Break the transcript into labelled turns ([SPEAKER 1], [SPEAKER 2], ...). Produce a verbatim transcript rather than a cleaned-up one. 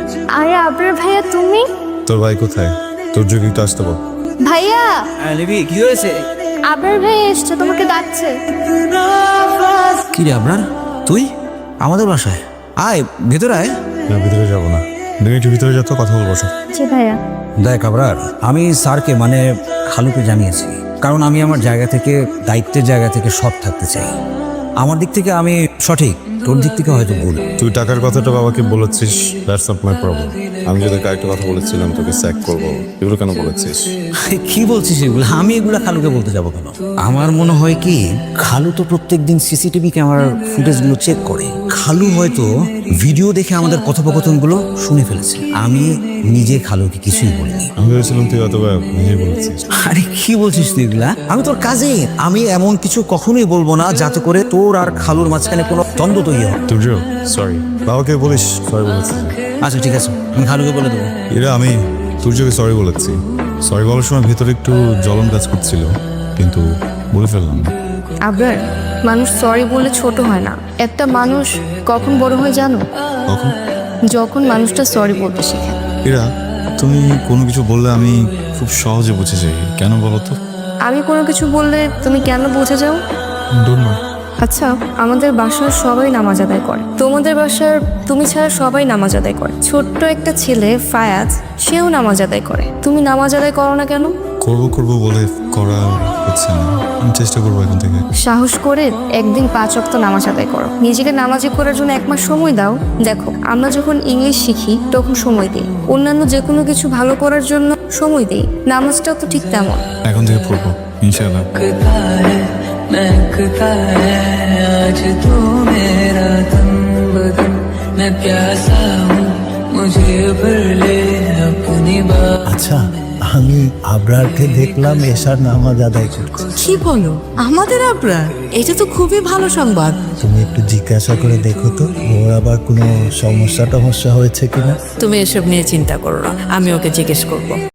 [SPEAKER 1] আরে আবরার ভাইয়া তুমি?
[SPEAKER 2] তোর ভাই কোথায়? তোর যোগী তো আসতে বল।
[SPEAKER 1] ভাইয়া
[SPEAKER 3] লিবি কি হয়েছে?
[SPEAKER 1] আবরার ভাইয়া এসছে, তোমাকে ডাকছে।
[SPEAKER 3] কি রে আপনার তুই আমাদের বাসায় আয়, ভেতরে আয়।
[SPEAKER 2] না, ভিতরে যাবো না, তুমি একটু ভিতরে যা তো, কথা বলবো সব।
[SPEAKER 1] জি ভাইয়া।
[SPEAKER 3] দেখ আবরার, আমি স্যারকে মানে খালুকে জানিয়েছি, কারণ আমি আমার জায়গা থেকে, দায়িত্বের জায়গা থেকে সৎ থাকতে চাই। আমার দিক থেকে আমি সঠিক, তোর দিক থেকে হয়তো ভুল।
[SPEAKER 2] তুই টাকার কথাটা বাবাকে বলেছিস, দ্যাটস নট মাই প্রবলেম। আমি যদি কয়েকটা কথা বলেছিলাম তোকে স্যাক করবো, এগুলো কেন বলেছিস?
[SPEAKER 3] কি বলছিস এগুলো? আমি এগুলা খালুকে বলতে যাবো কেন? আমার মনে হয় কি, খালু তো প্রত্যেকদিন সিসিটিভি ক্যামেরার ফুটেজগুলো চেক করে। খালু হয়তো ভিডিও দেখে আমাদের কথোপকথনগুলো শুনে ফেলেছে। আমি নিজে খালুকে কিছুই বলিনি।
[SPEAKER 2] আমি ভেবেছিলাম তুই অথবা নিজে বলেছিস।
[SPEAKER 3] আরে কি বলছিস তুই এগুলা? আমি তোর কাজে, আমি এমন কিছু কখনোই বলবো না যাতে করে তোর আর খালুর মাঝখানে কোনো দ্বন্দ্ব তৈরি হয়।
[SPEAKER 2] তুই সরি, বাবাকে বলিস সরি বলেছিস।
[SPEAKER 3] আচ্ছা ঠিক আছে, আমি খালুকে বলে দেবো।
[SPEAKER 2] এরা আমি তুর্যকে সরি বলেছি। সরি বলার সময় ভেতরে একটু জ্বলন কাজ করছিল, কিন্তু বলে ফেললাম।
[SPEAKER 1] আবরার, মানুষ সরি বলে ছোট হয় না। একটা মানুষ কখন বড় হয় জানো?
[SPEAKER 2] কখন?
[SPEAKER 1] যখন মানুষটা সরি বলতে শেখে।
[SPEAKER 2] এরা তুমি কোনো কিছু বললে আমি খুব সহজে বুঝে যাই, কেন বলো তো?
[SPEAKER 1] আমি কোনো কিছু বললে তুমি কেন বুঝে যাও?
[SPEAKER 2] Don't know.
[SPEAKER 1] আচ্ছা, আমাদের বাসার সবাই নামাজ আদায় করে, তোমাদের বাসার তুমি ছাড়া সবাই নামাজ আদায় করে। ছোট্ট একটা ছেলে ফায়াজ, সেও নামাজ আদায় করে, তুমি নামাজ আদায় করো না কেন?
[SPEAKER 2] করবো করবো বলে করা হচ্ছে না। আমি চেষ্টা করবো এখন থেকে।
[SPEAKER 1] সাহস করে একদিন পাঁচ ওয়াক্ত নামাজ আদায় করো, নিজেকে নামাজি করার জন্য এক মাস সময় দাও। দেখো, আমরা যখন ইংলিশ শিখি তখন সময় দিই, অন্যান্য যে কোনো কিছু ভালো করার জন্য সময় দিই। নামাজটাও তো ঠিক তেমন।
[SPEAKER 2] এখন থেকে পড়বো ইনশাআল্লাহ।
[SPEAKER 4] महकता है आज तू मेरा तन बदन, मैं प्यासा हूँ मुझे भर ले अपनी बात।
[SPEAKER 5] আচ্ছা, আমি আবরারকে দেখলাম এশার নামাজ আদায় করছে।
[SPEAKER 6] কি বলো? আমাদের আবরার? এটা তো খুবই ভালো সংবাদ।
[SPEAKER 5] তুমি একটু জিজ্ঞাসা করে দেখো তো, ওর আবার কোনো সমস্যা টমস্যা হয়েছে কিনা।
[SPEAKER 6] তুমি এসব নিয়ে চিন্তা করো না, আমি ওকে জিজ্ঞেস করবো।